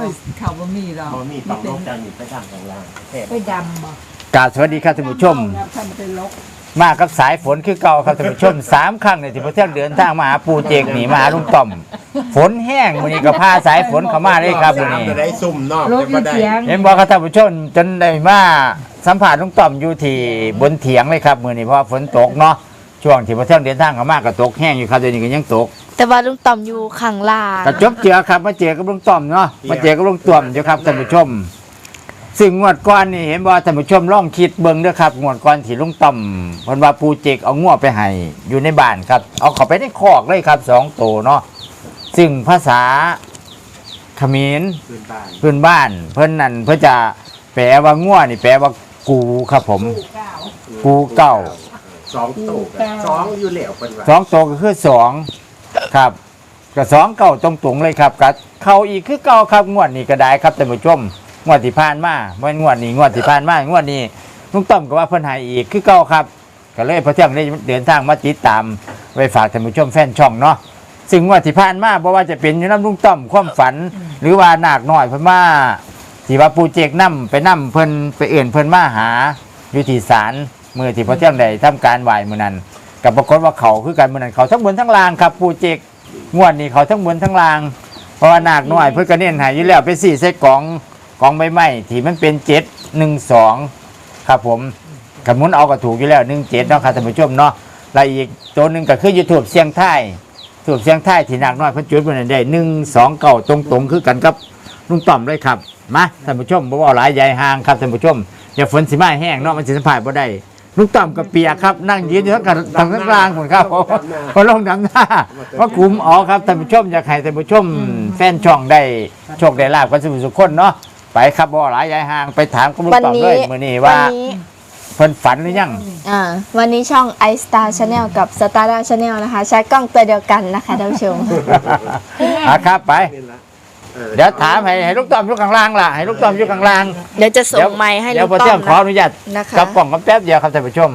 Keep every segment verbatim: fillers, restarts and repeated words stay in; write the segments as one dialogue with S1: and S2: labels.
S1: เขาบ่มีเรา
S2: บ่มีต้องลบจังอยู่ไปทางข้างล่าง
S1: ไปดำบ่
S3: กราบสวัสดีครับท่านผู้ชม
S1: ถ้ามันเป็นลก
S3: มากับสายฝนคือเก่าครับท่านผู้ชมสามครั้งในที่พระเที่ยงเดินทางมาหาปูเจกหนีมาหาลุงต่อมฝนแห้งมื้อนี้ก็พาสายฝนเข้ามาเลยครับมื้อนี้
S2: จะได้ซุ่มนอก
S1: ลก
S2: จะบ่ได้
S1: เสียง
S3: เห็นบอกครับท่านผู้ชมจนได้มาสัมผัสลุงต่อมอยู่ที่บนเถียงเลยครับมื้อนี้เพราะว่าฝนตกเนาะช่วงที่พระเที่ยงเดินทางเข้ามาก็ตกแห้งอยู่ครับเดี๋ยวนี้ก็ยังตก
S4: แต่ว่าลุงต่อมอยู่ข้างล่าง
S3: ก็จบเจอครับมาเจอกับลุงต่อมเนาะมาเจอกับลุงต่อมอยู่ครับท่านผู้ชมซึ่งงวดก่อนนี่เห็นบ่ท่านผู้ชมลองคิดเบิ่งเด้อครับงวดก่อนที่ลุงต่อมเพิ่นว่าปูเจกเอางัวไปให้อยู่ในบ้านครับเอาเข้าไปในคอกเลยครับสองตัวเนาะซึ่งภาษาเขมร
S2: พื้นบ้าน
S3: พื้นบ้านเพิ่นนั่นเพิ่นจะแปลว่างัวนี่แปลว่ากูครับผม กูเก้า
S2: สองตู้สองอยู่แล้วเพิ่นว่า
S3: สองตัวก็คือสองครับก็สองเก้าตรงๆเลยครับก็เข้าอีกคือเก้าครับงวดนี้ก็ได้ครับท่านผู้ชมงวดที่ผ่านมาเมื่องวดนี้งวดที่ผ่านมางวดนี้ลุงต้อมก็ว่าเพิ่นให้อีกคือเก้าครับก็เลยพระเที่ยงได้เดินทางมาติดตามไว้ฝากท่านผู้ชมแฟนช่องเนาะซึ่งงวดที่ผ่านมาบ่ว่าจะเป็นอยู่น้ำลุงต้อมความฝัน หรือว่านาคน้อยเพิ่นมาที่ว่าปูเจกนำไปนำเพิ่นไปเอื่นเพิ่นมาหาอยู่ที่ศาลมื้อที่พระเที่ยงได้ทำการไหว้มื้อนั้นก็ปรากฏว่าเขาคือกันมื้อนั้นเขาทั้งบนทั้งล่างครับปูเจกงวดนี้เขาทั้งบนทั้งล่างเพราะว่านาคน้อยเพิ่นก็เน้นให้อยู่แล้วไปสี่ใส่กล่องกล่องใบไม้ที่มันเป็นเจ็ดหนึ่งสองครับผมกับมุนเอาก็ถูกอยู่แล้วหนึ่งเจ็ดเนาะครับท่านผู้ชมเนาะแล้วอีกตัวหนึงก็คือยูทูบเสียงไทยทูบเสียงไทยที่นาคน้อยเพิ่นจุดมื้อนั้นได้หนึ่งสองเก้าตรงๆคือกันกับลุงต่อมเลยครับมาท่านผู้ชมบ่ว่าหลายใหญ่ห่างครับท่านผู้ชมอย่าฝนสิมาแห้งเนาะมันสิสัมผัสบ่ได้ลุงต่อมกับเปียกครับนั่งยืนอยู่ทั้งทางทั้งกลางหมดครับพอลงดำหน้าว่าคุมอ๋อครับท่านผู้ชมอยากให้ท่านผู้ชมแฟนช่องได้โชคได้ลาบกันสุขสุขคนเนาะไปครับบ่หลายใหญ่ห่างไปถามกับลุงต่อมเลยมื้อนี้ว่า
S4: วันนี้
S3: เพิ่นฝันหรือยัง
S4: อ่าวันนี้ช่อง i Star Channel กับ Star Channel นะคะใช้กล้องตัวเดียวกันนะคะท่านผู้ชม
S3: อ่ะครับไป
S2: นี่ละออ
S3: เดี๋ยวถามให้ให้ลูกต้อมอยู่ข้างล่างล่ะให้ลูกต้อมอยู่ข้างล่าง
S4: เดี๋ยวจะส่งไมค์ให้
S3: เดี๋
S4: ลุ
S3: ยว
S4: ง
S3: พอ
S4: ต้
S3: เที่
S4: อย
S3: ง
S4: ม
S3: ขออนุญาต
S4: นะคะ
S3: กับกล่องกับแป๊บเดียวครับท่านผู้ชม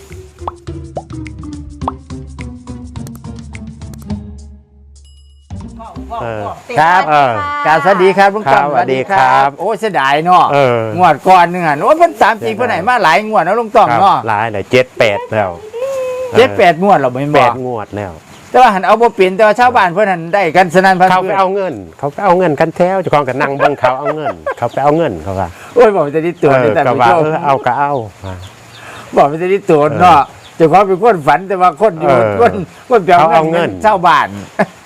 S3: ครับ
S5: เออ
S3: การสวัสดีครับลุงต้อม
S5: ครับสวัสดีครับ
S3: โอ้เสียดายเนาะ
S5: เออง
S3: วดก่อนนึงอ่ะโอ้ยเพิ่นตามจริงเพิ่นไหนมาหลายงวดแล้วลุงต้อม
S5: ครับ
S3: เนาะ
S5: หลายเลยเจ็ดแปดแล้ว
S3: เจ็ดแปดงวดเราไม่น
S5: แป
S3: บอ
S5: ด
S3: ก
S5: งวดแล้ว
S3: แต่ว่าหันเอาบ่เป็นแต่ว่าชาวบ้านเพิ่นหันได้กันสนั่นพัน
S5: เขาไป
S3: เพื่อน
S5: เอาเงิน เขาไปเอาเงินกันแถวเจ้าของกันนั่งเบิ่งเขาเอาเงิน เขาไปเอาเงินเขาว่า
S3: โอ้ยบอกจะได้ตัว
S5: เอ
S3: นี่
S5: อ
S3: แต่
S5: ก็
S3: ผู้
S5: ว่า
S3: ชม
S5: เออเอาก็เอาอ่า
S3: บอกไม่ได้ที่ตัวเนาะเจ้าของเป็นคนฝันแต่ว่าคนอยู่
S5: เออ
S3: คนคนเปลี่ยน
S5: เขาเอาเงิน
S3: เช่าบ้าน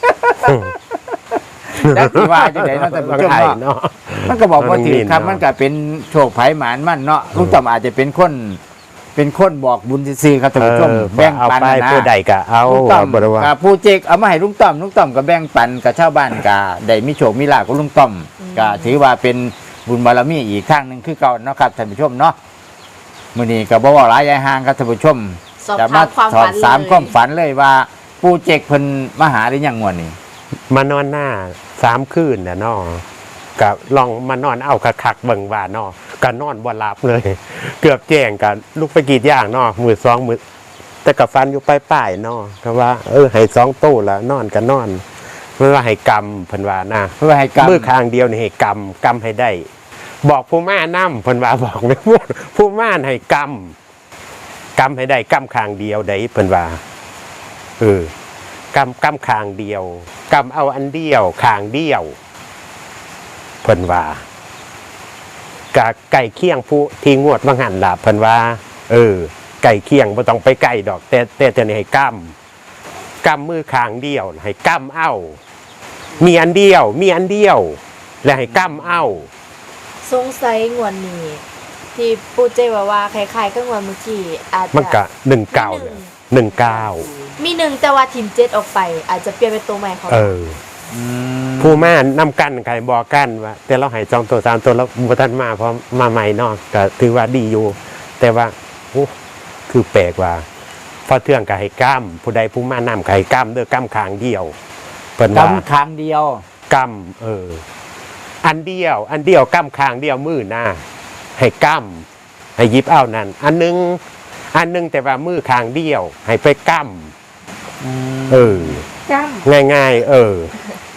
S3: แล้วที่ว่าจังไดเนาะแต่ผู้ชม
S5: ไทย
S3: เนาะ
S5: เนาะ
S3: มันก็บอกว่าถือครับ
S5: เนาะ
S3: มันก็เป็นโชคไผ่หมานมันเนาะลุงต่อมอาจจะเป็นคนเป็นคนบอกบุญซื่อๆครับท่านผู้ชม
S5: เออ
S3: แบ่ง
S5: เอา
S3: ปัน
S5: ไป
S3: นะ
S5: ผู้ใดก็เอา
S3: ลุงต่อม
S5: เอาบ่ได้ว่า
S3: กับผู้เจกเอามาให้ลุงต่อมลุงต่อมก็แบ่งปันกับชาวบ้านก็ได้มีโชคมีลาภกับลุงต่อมก็ถือว่าเป็นบุญบารมีอีกข้างหนึงคือเก่าเนาะครับท่านผู้ชมเนาะมื้อนี้ก็บ่เว้าหลายยายห่างครับท่านผู้ชม
S4: สอบ
S3: จะ
S4: ถามความ
S3: สอ
S4: ฝั
S3: บ
S4: น
S3: สาม
S4: เลย
S3: ความฝันเลยว่าปูเจกเพิ่นมาหาหรือยังงวดนี้
S5: มานอนหน้าสามคืนน่ะเนาะก็ลองมานอนเอาคักๆเบิ่งว่าเนาะก็นอนบ่หลับเลย เกือบแจ้งกันลุกไปกรีดยางเนาะมือสองมือแต่กับฟันอยู่ปลายๆเนาะก็ว่าเออให้สองตู้ละนอนก็นอนเพื่อว่าให้กรรมเพิ่นว่านะ
S3: เพื่อให้กรรม
S5: มือข้างเดียวนี่ให้กรรมกรรมให้ได้ บอกผู้ม่านำเพิ่นว่าบอกไม่พูดผู้ม่านให้กรรมกรรมให้ได้กรรมข้างเดียวได้เพิ่นว่าเออกรรมกรรมข้างเดียวกรรมเอาอันเดียวข้างเดียวเพิ่นว่ากะไก่เคียงผู้ที่งวดว่างหันล่ะเพิ่นว่า เออ ไก่เคียงบ่ต้องไปไก่ดอก แต่แต่ตัวนี้ให้กรรมกรรมมือข้างเดียวให้กรรมเอามีอันเดียว มีอันเดียว และให้กรรมเอา
S4: สงสัยงวดนี้ ที่ปูเจว่าว่าคล้ายๆก็งวดเมื่อกี้อาจ
S5: มัน
S4: จะ
S5: กะหนึ่งเก้าเนี่ยหนึ่งเก้า
S4: มีหนึ่งแต่ว่าทีมเจ็ดออกไป อาจจะเปลี่ยนเป็นตัวใหม่เขา
S5: เออ ผู้ม่านนำกันใครบอกกันว่าแต่เราให้จองตัวสามตัวแล้วบุทันมาเพราะมาใหม่เนอกก็ถือว่าดีอยู่ แต่ว่าโอ้คือแปลกว่าพอเทื่องกับให้กล้ามผู้ใดผู้ม่านนำกับให้กล้ามเด้อกล้ามขางเดียวเพิ่น
S3: กร
S5: ว่าร
S3: มครั้งเดียว
S5: กล้ามเออ อันเดียว อันเดียวกล้ามขางเดียวมือหน้าให้กล้ามให้ยิบเอานั่นอันหนึงอันหนึงแต่ว่ามือขางเดียว ให้ไปกล้ามเออ
S1: จ้า
S5: ง่ายๆ เออ พ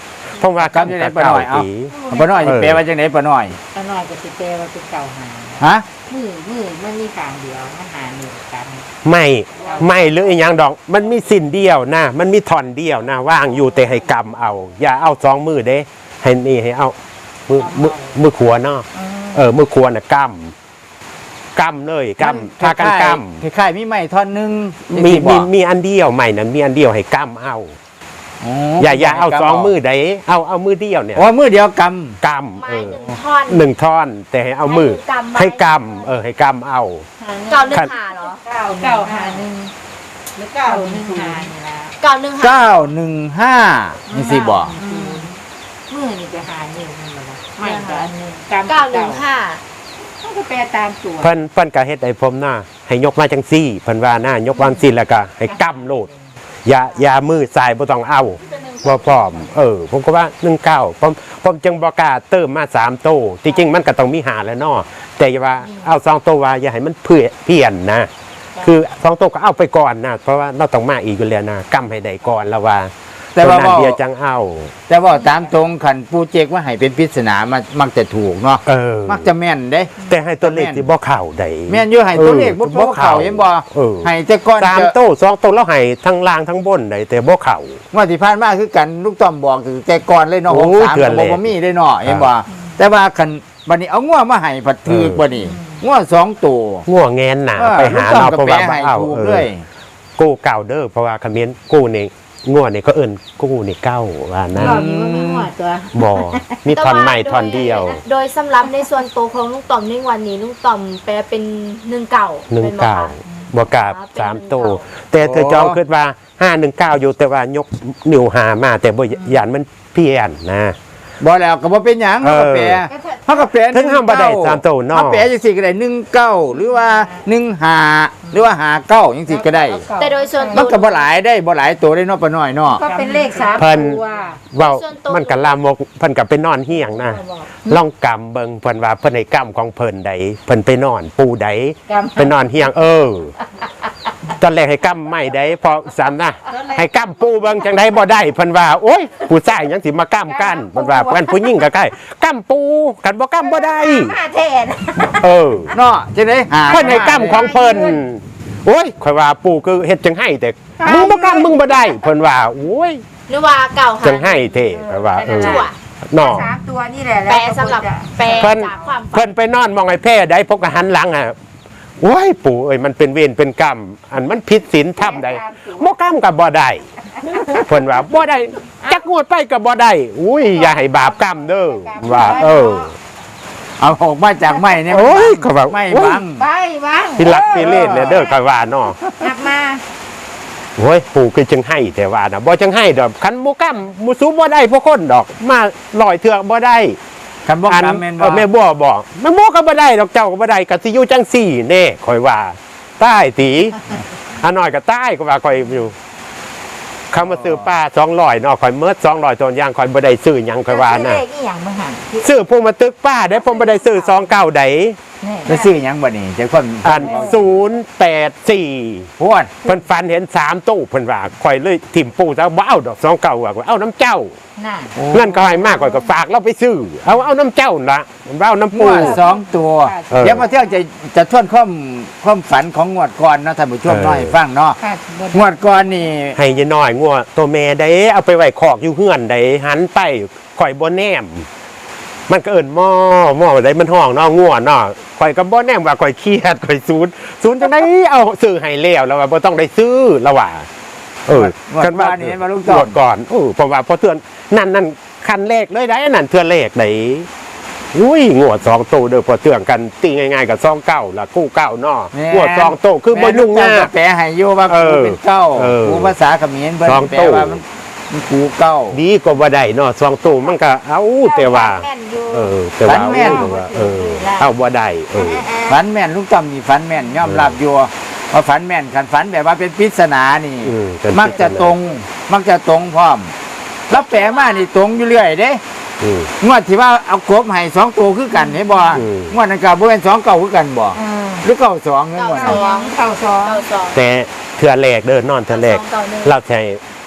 S5: ราะว่า
S3: จำจะได้ปะหน่อยเอา
S5: ตี
S3: ปะหน่อยสิแปลว่าจังได๋ปะหน่อย
S1: ตาหน่อยก็สิเตว่าเป็นเก่าหา
S3: ฮะ
S1: มือมือมันมีทางเดียวมันหาหนึ่งกัน
S5: ไม่ไม่หรืออีหยังดอก มันมีสิ้นเดียวนะมันมีท่อนเดียวนะว่างอยู่แต่ให้กำเอา อย่าเอาสองมือเด้ให้นี่ให้เอามือมือมือขวาเนาะเออมือขวาน่ะกำกำเลยกำพากันกำ
S3: คล้ายๆมีไม้ท่อนหนึง
S5: มี
S3: จังซี่บ่
S5: มีมีอันเดียวใหม่นั้นมีอันเดียวให้กำเอา
S3: อ๋อ
S5: อย่าอย่าเอาสองมือใดเอาเอามือเดียวเนี่ย
S3: อ๋อมือเดียวกำ
S5: กำ
S4: ไม้
S5: เออ
S4: หนึ่งท่อน
S5: หนึ่งท่อนแต่ให้เอามือ
S4: ให้
S5: ให้
S4: กำ
S5: กำเออให้กำเอา
S4: เก่าหนึ่งหาเหรอ
S1: เก้าเก้าหาหนึ่งหรือเก้าหนึ่งหานี่ละ
S4: เก่าหนึ่งหา
S3: เก้าหนึ่งห้านี่สิบ่
S1: มือนี่จะหาหนึ่งมันละไม่ก็อันหนึ่งกำ
S4: เก้าหนึ่งห้า
S1: ต้องก็แปลตามตัว
S5: เพิ่นเพิ่นก็เฮ็ดให้ผมหน้าให้ยกมาจังซี่เพิ่นว่าหน้ายกวางซี่แล้วก็ให้กำโลดอย่าอย่ามือสายบ่ต้องเอาบ่พร้อมเออผมก็ว่าหนึ่งเก้าผมผมจึงบ่กล้าเติมมาสามโตจริงๆมันก็ต้องมีหาแล้วเนาะแต่อย่าว่าเอาสองโตว่าอย่าให้มันเพื่อเพี้ยนนะคือสองโตก็เอาไปก่อนนะเพราะว่าเราต้องมาอีกอยู่แล้วนะกำให้ได้ก่อนแล้วว่า
S3: แต่ว่า
S5: ตัวนั้น
S3: บ่
S5: เดียวจังเอา
S3: แต่ว่าตามตรงขันปูเจกว่าให้เป็นปริศนามันมักจะถูกเนาะ
S5: เออ
S3: มักจะแม่นเด้
S5: แต่ให้ตัวเลขที่บ่เข้าได้
S3: แม่นอยู่ให้ตัวเลขบ่บ่เข้าเห็นบ่
S5: เออ
S3: ให้แต่ก่อน
S5: สาม
S3: จะ
S5: โตสองโตแล้วให้ทั้งล่างทั้งบนได้แต่บ่เข้า
S3: ว่าที่ผ่านมาคือกันลูกต้อมบอกคือแต่ก่อนเลยเนาะ
S5: โอ้
S3: หกสาม
S5: เถื่อน
S3: ก็
S5: เลย
S3: บ่มีได้เนาะเห็นบ่
S5: อ่า
S3: แต่ว่าคันบัดนี้เอางัวมาให้ผัดถือ
S5: เออ
S3: บ่นี่งัวสองตัว
S5: ง่วงแงนหนา
S3: เออ
S5: ไปหา
S3: ลูกต้อ
S5: เนาะ
S3: มก็
S5: เพราะ
S3: แปล
S5: ว่าบ่
S3: ให้
S5: เอา
S3: ถูก
S5: เอ
S3: เล
S5: อย กู้เก่าเด้อเพราะว่าคำเมนกู้นี่ง่วงนี่ก็เอิ้นกู้นี่เก้าว่านะ
S1: รอบนี้มันไม่หัวตัว
S5: บ่มีท่อนใหม่ท่อนเดียว
S4: โดยสำหรับในส่วนตัวของลุงต่อมในวันนี้ลุงต่อมแปลเป็นหนึ่งเก่า
S5: หนึ่ง
S4: ป็บ่
S5: เก้า
S4: คะ
S5: บ่กราบ
S4: อ๋อเป็น
S5: สาม
S4: หนึ่ง
S5: โต
S4: เก้า
S5: แต่เธอจองคิดว่าห้าหนึ่งเก้าอยู่แต่ว่ายกนิ้วหามาแต่บ่ยานมันเพี้ยนนะ
S3: บ่แล้วก็บ่เป็นหยัง
S5: เอ
S3: เฮา
S5: อ
S3: ก็แปลเฮาก็แปล
S5: ถึงห้ามบ่ได้สามตัวเนาะ
S3: เฮาแปลจังซี่ก็ได้หนึ่งเก้าหรือว่าหนึ่งห้าหรือว่าห้าเก้าจังซี่ก็ได้
S4: แต่โดยส่วน
S3: มัน
S4: ตัว
S3: ก็บ่หลายได้บ่หลายตัวได้เนาะปะน้อยเนาะ
S1: ก็เป็นเลขสาม
S5: เพิ่น
S1: ตัว
S5: เว้ามันก็ลามกเพิ่นก็ไปนอนเฮียงนะลองกำเบิ่งเพิ่นว่าเพิ่นให้กำของเพิ่นใดเพิ่นไปนอนปูใด
S1: กำ
S5: ไปนอนเฮียงเออ ตอนแรกให้กำไม่ได้พอสามนะให้กำปูเบิ่งจังไดบ่ได้เพิ่นว่าโอ๊ยผู้ชายยังสิมากำกันเพิ่นว่าเพิ่นผู้หญิงก็ใกล้กำปูกันบ่กำบ่ได้
S1: มาแทน
S5: เออ
S3: เนาะจังได๋หา
S5: เพิ่นให้กำของเพิ่นโอ๊ยข่อยว่าปูคือเฮ็ดจังให้แต่มึงบ่กำมึงบ่ได้เพิ่นว่าโอ๊ย
S4: หรือว่าเก่าหา
S5: จังให้เท่ข่อยว่าเออ
S4: จั่ว
S5: เนาะ
S1: สามตัวนี่แหละ
S4: แปลสำหรับแปล
S5: เพิ่น
S4: จากความฝั
S5: เพิ่
S4: น
S5: นไปนอนมองไอ้แพร่ได้พกกหันหลังอ่ะโอ้ยปู่เอ้ยมันเป็นเวรเป็นกรรมอันมันผิดศีลธรรมใดบ่กรรมกับบ่ได้เพิ่นว่าบ่ได้จักงวดไปกับบ่ได้อุ้ยอย่าให้บาปกรรมเด้อว่า เออ
S3: เอาออกมาจากไม้เนี่ย
S5: โอ้ยเขาว่า
S3: ไม่
S5: โอ้ย
S3: บัง
S1: ไปบ้าง
S5: พิลักพิเลศเนี่ยเด้อก็ว่าเนาะ
S1: นับมา
S5: โอ้ยปู่คือจังให้แต่ว่าน่ะบ่จังให้ดอกคันบ่กรรมบ่สู้บ่ได้พวกคนดอกมาลอยเถือกบ่ได้
S3: คำบอก
S5: อัน
S3: คำแม่น
S5: เอ
S3: บ่
S5: อแม่บัวบอกแม่บัวก็บ่ได้ดอกเจ้าก็บ่ได้ก็สิอยู่จังสี่แน่ข่อยว่าใต้ตีอันน้อยก็ใต้ก็ว่าข่อยอยู่คำมาซื้อป้าสองร้อยเนาะข่อยเมิดสองร้อยตัวอย่างข่อยบ่ได้ซื้อหยังข่อยว่านะ
S1: เลขอีหยังมาหัน
S5: ซื้อพวกมาตึกป้าได้ผมบ่ได้ซื้อสองเก้าใด
S1: นี่
S3: แล้วซื้อหยังบ่นี่จังคน
S5: อันศูนย์แปดสี่
S3: พวด
S5: เพิ่นฟันเห็นสามตู้เพิ่นว่าข่อยเลยถิ่มปูซะบ่เอาดอกสองเก้าว่าเอาน้ำเจ้า
S1: น่ะ
S5: เงินก็ให้มากข่อยก็ฝากเราไปซื้อเอาเอาน้ำเจ้าน่ะเอาน้ำ
S3: ง
S5: ปู
S3: วดสองตัว
S5: เออ
S3: เดี๋ยวมาเที่ยวจะจะทวนความความฝันของงวดก่อนเนาะท่านผู้ชม
S5: เออ
S3: น้อยฟังเนาะ
S1: ค่ะบน
S3: งวดก่อนนี่
S5: ให้ยายน้อยงัวตัวแม่ได้เอาไปไว้คอกอยู่เฮือนได้หันไปข่อยบ่แนม มันก็เอิ้นหม้อหม้อได้มันห้องเนาะงัวเนาะข่อยก็บ่แนมว่าข่อยเครียดข่อยศูนย์ศูนย์จังได๋เอาซื้อให้แล้วแล้วว่าบ่ต้องได้ซื้อแล้วว่าเออ
S3: งวดก่อนนี่เห็นบ่ลุง
S5: ง
S3: ต้อ
S5: ว
S3: ม
S5: ดก่อนเออเพราะว่าพอเทื่อนนั่นนั่นคันเลขเลยได้นั่นเทื่อนเลขได้อุ้ยงวดสองโตเด้อพอเทื่อนกันตีง่ายๆกับซองเก้าล่ะกู้เก้าเนาะงวดสองโตคือบ่ยุ่งยาก
S3: แปลให้อยู่ว่า
S5: เอ
S3: กู
S5: อ
S3: เป็นเก้า
S5: เออ
S3: กูภาษาเขมรเพิ่น
S5: สอง
S3: แปล
S5: ตู้
S3: ว่ามันมันกูเก้า
S5: ดีก็บ่ได้เนาะสองโตมันก็เอาแต่ว่า
S1: แม่นอยู่
S5: เออแต่ว่าเอาว่าเออเอาบ่ได้เออ
S3: ฝันแม่นลุงต้อมนี่ฝันแม่นยอมรับอยู่ว่าฝันแม่นคันฝันแบบว่าเป็นปริศนานี่
S5: อืมเป็น
S3: มักจะตรง มักจะตรงพร้อมแล้วแปลมานี่ตรงอยู่เรื่อยเด้
S5: อืม
S3: งวดที่ว่าเอากบให้สองตัวคือกันเห็นบ่
S5: อืม
S3: งวดนั้นก็บ่เป็นสองเก้าคือกันบ่
S1: อืม
S3: หรือเก้าสองเงินบ่
S1: สองเก้าสอง
S4: เก่าสอง
S5: แต่เทื่อแรกเด้อนอนเทื่อแรก
S4: เก่าหนึ่ง
S5: เราใช้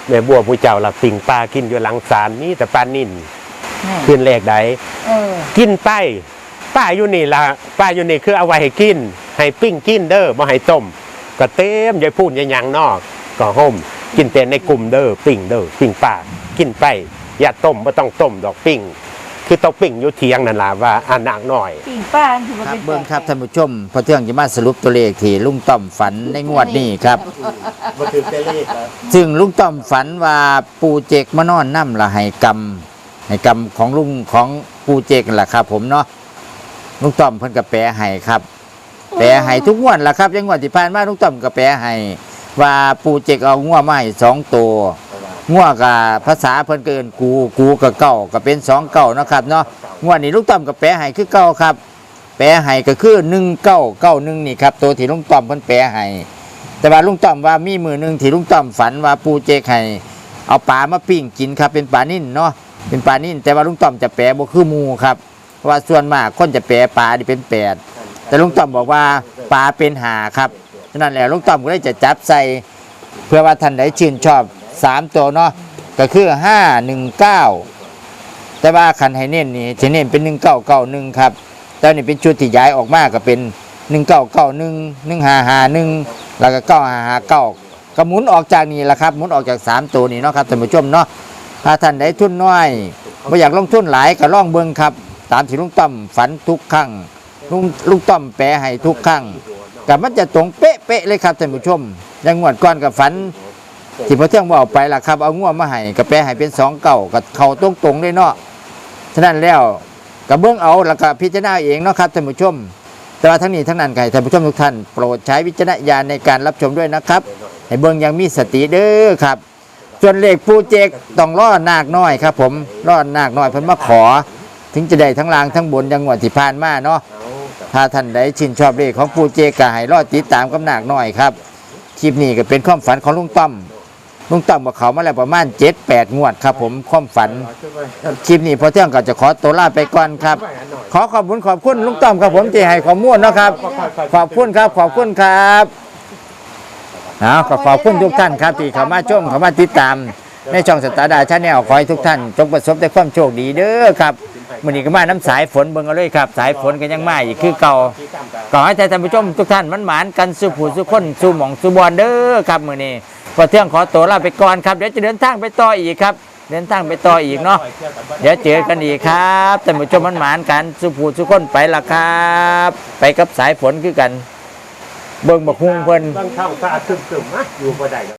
S5: แม่บัวผู้เจ้าหลับปิ่งปลากินอยู่หลังศาลนี่แต่ปลานิ่น
S1: นี่
S5: ขึ้นแรกใด
S1: เออ
S5: กินไปป้าอยู่นี่ล่ะป้าอยู่นี่คือเอาไว้ให้กินให้ปิ้งกินเด้อบ่ให้ต้มก็เต็มยายพูดยายหยังนอกก็ห่มกินแต่ในกลุ่มเด้อปิ้งเด้อปิ้งป้ากินไปอย่าต้มบ่ต้องต้มดอกปิ้งคือต้องปิ้งอยู่เทียงนั่นล่ะว่าอ่านางน้อย
S1: ปิ่งป้าคือมัน
S3: ครับ
S1: เป็น
S3: เบิ้งครับท่านผู้ชมพอเที่ยงจะมาสรุปตัวเลขที่ลุงต้อมฝันในงวดนี้ครับ
S2: มาถึงเตเลขแล้ว
S3: ซึ่งลุงต้อมฝันว่าปูเจกมานอนน้ำละให้กรรมให้กรรมของลุงของปูเจกนั่นแหละครับ ผมเนาะลุงต้อมเพิ่นก็แปลให้ครับ แปลให้ทุกงวดล่ะครับยังงวดที่ผ่านมาลุงต้อมก็แปลให้ว่าปูเจกเอางัวมาให้สองตัวงัวกับภาษาเพิ่นเกินกูกูกับเก้าก็เป็นสองเก้าเนาะครับเนาะงวดนี้ลุงต้อมก็แปลให้คือเก้าครับ แปลให้ก็คือหนึ่งเก้าเก้าหนึ่งนี่ครับตัวที่ลุงต้อมเพิ่นแปลให้แต่ว่าลุงต้อมว่ามีมือหนึ่งที่ลุงต้อมฝันว่าปูเจกให้เอาปลามาปิ้งกินครับเป็นปลานิ่นเนาะเป็นปลานิ่นแต่ว่าลุงต้อมจะแปลบ่คือหมูครับเพราะว่าส่วนมากคนจะแปลปลาที่เป็นแปดแต่ลุงต้อมบอกว่าปลาเป็นหาครับฉะนั้นแหละลุงต้อมก็เลยจะจับใส่เพื่อว่าท่านใดชื่นชอบสามตัวเนาะก็คือห้าหนึ่งเก้าแต่ว่าคันให้เน้นนี่จะเน้นเป็นหนึ่งเก้าเก้าหนึ่งครับแต่นี่เป็นชุดที่ย้ายออกมาก็เป็นหนึ่งเก้าเก้าหนึ่งหนึ่งห้าห้าหนึ่งแล้วก็เก้าห้าห้าเก้าก็หมุนออกจากนี่แหละครับหมุนออกจากสามตัวนี้เนาะครับท่านผู้ชมเนาะถ้าท่านใดทุนน้อยไม่อยากลงทุนหลายก็ล่องเบิ่งครับตามที่ลุงต้อมฝันทุกครั้งลุงลุงต้อมแปลให้ทุกครั้งกับมันจะตรงเป๊ะๆเลยครับท่านผู้ชมอยังงวดก่อนกับฝันที่พอเที่ยงบอกไปล่ะครับเอางัวมาให้กับแปลให้เป็นสองเก่ากับเขาตรงตรงๆเลยเนาะฉะนั้นแล้วกับเบื้องเอาแล้วก็พิจารณาเองเนาะครับท่านผู้ชมแต่ว่าทั้งนี้ทั้งนั้นใครท่านผู้ชมทุกท่านโปรดใช้วิจารณญาณในการรับชมด้วยนะครับให้เบื้องยังมีสติเด้อครับส่วนเลขปูเจกต้องรอนาคน้อยครับผมรอนาคน้อยเพิ่นมาขอ ถึงจะได้ทั้งล่างทั้งบนจังหวัดที่ผ่านมาเนาะถ้าท่านใดชื่นชอบเลขของปูเจกก็ให้รอติดตามกับนาคน้อยครับคลิปนี้ก็เป็นความฝันของลุงต้อมลุงต้อมบอกเขามาแล้วประมาณเจ็ดแปดงวดครับผมความฝันคลิปนี้พอเที่ยงก็จะขอตัวลาไปก่อนครับขอขอบคุณขอบคุณลุงต้อมครับผมที่ให้ข้อมูลเนาะครับขอบคุณครับขอบคุณครับเอาขอขอบคุณทุกท่านครับที่เข้ามาชมเข้ามาติดตามในช่องสตาร์ดาชาแนลขอให้ทุกท่านจงประสบแต่ความโชคดีเด้อครับมื้อนี้ก็มาน้ำสายฝนเบิ่งเอาเลยครับสายฝนก็ยังมาอีกคือเก่าขอให้ท่านผู้ชมทุกท่านมันหมานกันสู่ผู้สู่คนสู่หม่องสู่บอนเด้อครับมื้อนี้พอเที่ยงขอตัวลาไปก่อนครับเดี๋ยวจะเดินทางไปต่ออีกครับเดินทางไปต่ออีกเนาะเดี๋ยวเจอกันอีกครับท่านผู้ชมมันหมานกันสู่ผู้สู่คนไปละครับไปกับสายฝนคือกันเบิ่งบักฮุงเพิ่น
S2: บางช่องฟ้าคึมๆนะอยู่บ่ได้